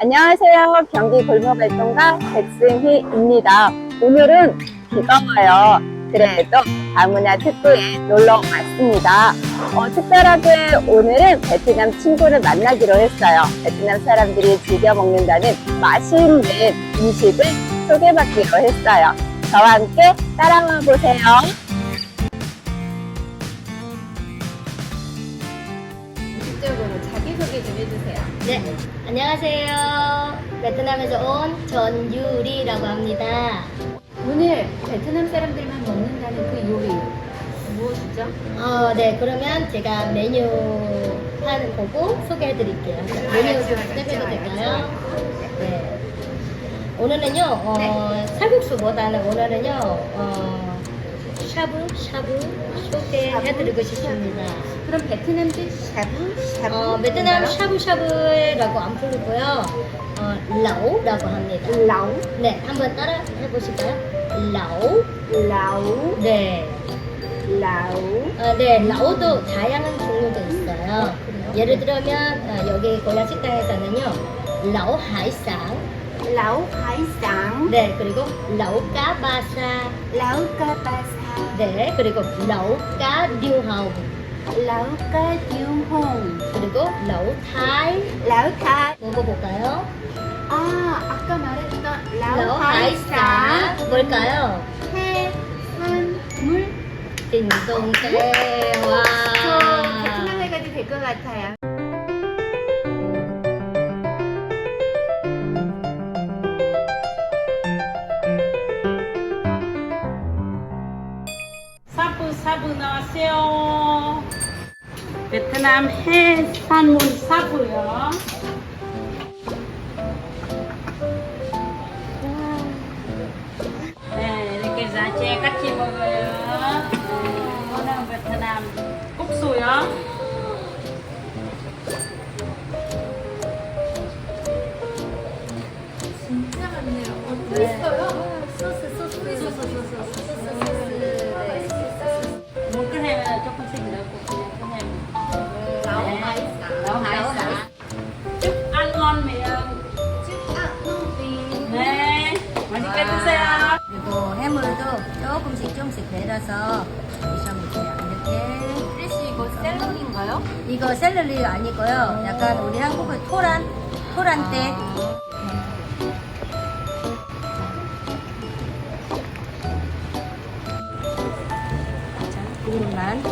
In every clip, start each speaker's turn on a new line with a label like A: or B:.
A: 안녕하세요. 경기 골목활동가 백승희입니다. 오늘은 비가 와요. 그래도 다문화 특구에 놀러 왔습니다. 특별하게 오늘은 베트남 친구를 만나기로 했어요. 베트남 사람들이 즐겨 먹는다는 맛있는 음식을 소개받기로 했어요. 저와 함께 따라와 보세요.
B: 직접으로 자기소개 좀 해주세요.
C: 네, 안녕하세요. 베트남에서 온 전유리라고 합니다.
B: 오늘 베트남 사람들만 먹는다는 그 요리 무엇이죠?
C: 네, 그러면 제가 메뉴 판 보고 소개해 드릴게요. 메뉴 좀 시작해도 될까요? 네. 오늘은요, 살국수보다는 오늘은요, 샤브샤브 소개해 드리고 싶습니다.
B: 그럼 베트남식 샤브샤브?
C: 베트남 샤브샤브라고 안 부르고요, 라오라고 합니다.
B: 라우?
C: 네, 한번 따라 해보실까요? 라오.
B: 라우?
C: 네.
B: 라우?
C: 네, 라오도 다양한 종류가 있어요. 예를 들면, 여기 고향 식당에서는요, 라오 하이상.
B: 라우 하이상?
C: 네, 그리고 라오 까바사.
B: 라우 까바사?
C: 네, 그리고 라오 까 류하오.
B: 라우 까 듀홍?
C: 그리고 라오 타이.
B: 라우 타?
C: 먹어볼까요?
B: 아까 말했던 라우
C: 라오
B: 하이상?
C: 하이상. 뭘까요?
B: 해산물?
C: 딩동대. 와.
B: 저 베트남에 가도 될 것 같아요.
D: 사부 나왔어요. 베트남 해산물 사부요. 네, 이렇게 야채 같이 먹어요. 이거는 베트남 국수요.
B: 진짜 많네요. 맛있어요?
D: 물 끓이면 조금씩 넣고 그냥 끓여요.
B: 라우
D: 네.
B: 하이상?
D: 라오 하이상. 쭉 ăn ngon miệng. 네, 맛있게 드세요.
C: 그리고 해물도 조금씩 내려서 드셔보세요. 이렇게.
B: 크리시 이거 샐러리인가요?
C: 이거 샐러리 아니고요. 약간 우리 한국의 토란대. 자, 이름만.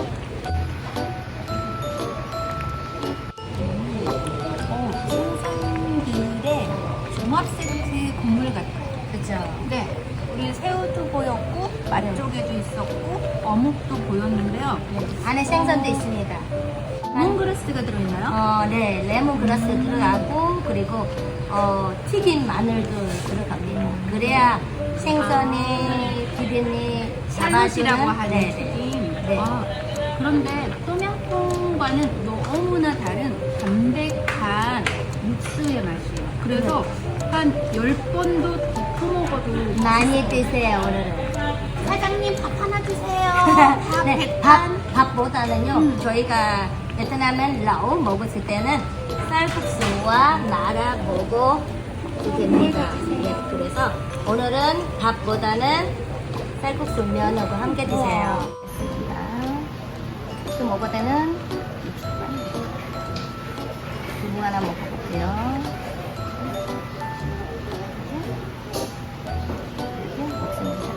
E: 생선비율의 종합 세트 국물 같아요.
C: 그죠?
E: 네. 우리 새우도 보였고, 맛조개도 있었고, 어묵도 보였는데요.
C: 안에 생선도 있습니다.
E: 몽그라스가 들어있나요?
C: 네, 레몬그라스 들어가고, 그리고, 튀긴 마늘도 들어갑니다. 그래야 생선이, 비린이
E: 살맛이라고
C: 잡아주는,
E: 하는 튀김.
C: 네.
E: 그런데 똠양꿍과는 너무나 다른 담백한 육수의 맛이에요. 그래서 한 10번도 더 퍼먹어도
C: 많이 드세요, 오늘은.
E: 사장님 밥 하나 주세요.
C: 네, 밥보다는요, 저희가 베트남엔 라오 먹었을 때는 쌀국수와 말아 먹고 됩니다. 네, 그래서 오늘은 밥보다는 쌀국수 면하고 함께 드세요. 또 먹을 때는 두부 하나 먹어볼게요. 이렇게 먹습니다.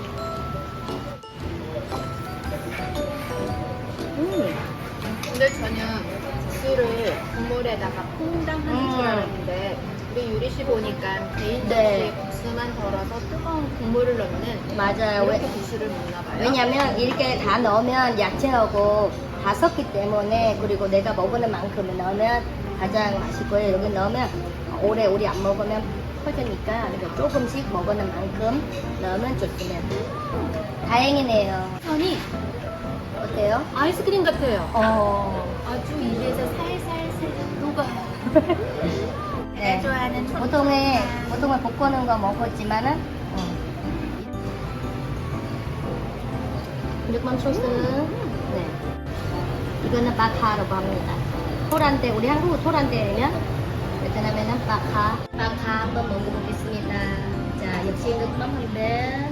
B: 근데 저는 국수를 국물에다가 퐁당 하는 줄 알았는데 우리 유리 씨 보니까 개인
C: 네.
B: 접시에 국수만 덜어서 뜨거운 국물을 넣는
C: 맞아요.
B: 이렇게 국수를 먹나 봐요.
C: 왜냐면 이렇게 다 넣으면 야채하고 다 섞기 때문에, 그리고 내가 먹는 만큼 넣으면 가장 맛있고요. 여기 넣으면 오래 우리 안 먹으면 퍼지니까 이렇게 조금씩 먹는 만큼 넣으면 좋습니다. 다행이네요.
B: 선이
C: 어때요?
B: 아이스크림 같아요. 아주 입에서 살살살 녹아요.
C: 네.
B: 좋아하는
C: 보통은 볶는 거 먹었지만은 육만 소스. 네. 이거는 바카라고 합니다. 토란대, 우리 한국 토란대면 베트남에는 빠카 한번 먹어보겠습니다. 자, 역시 nước mắm 한데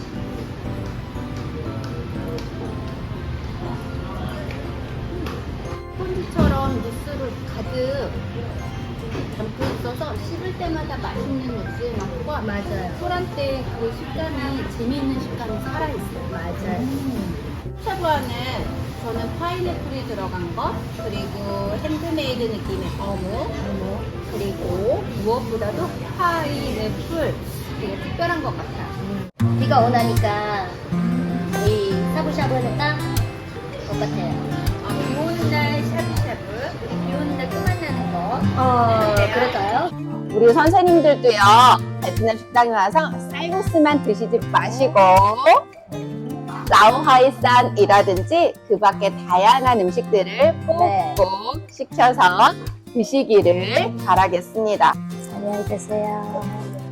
B: 폰즈처럼 육수를 가득 담고 있어서 씹을 때마다 맛있는 육수의 맛과
C: 맞아요.
B: 소란때 그 식감이 재미있는 식감이 살아있어요.
C: 맞아요.
B: 샤브 안에 저는 파인애플이 들어간 것, 그리고 핸드메이드 느낌의 어묵, 그리고 무엇보다도 파인애플 되게 특별한 것 같아요.
C: 비가 오나니까 이 샤브샤브는 딱 똑같아요.
B: 비 오는 날 샤브샤브, 비 오는 날 또 만나는 거.
C: 그럴까요?
A: 우리 선생님들도요, 베트남 식당에 와서 쌀국수만 드시지 마시고, 라오하이산이라든지 그 밖에 다양한 음식들을 꼭꼭 시켜서 드시기를 바라겠습니다.
C: 안녕히 계세요.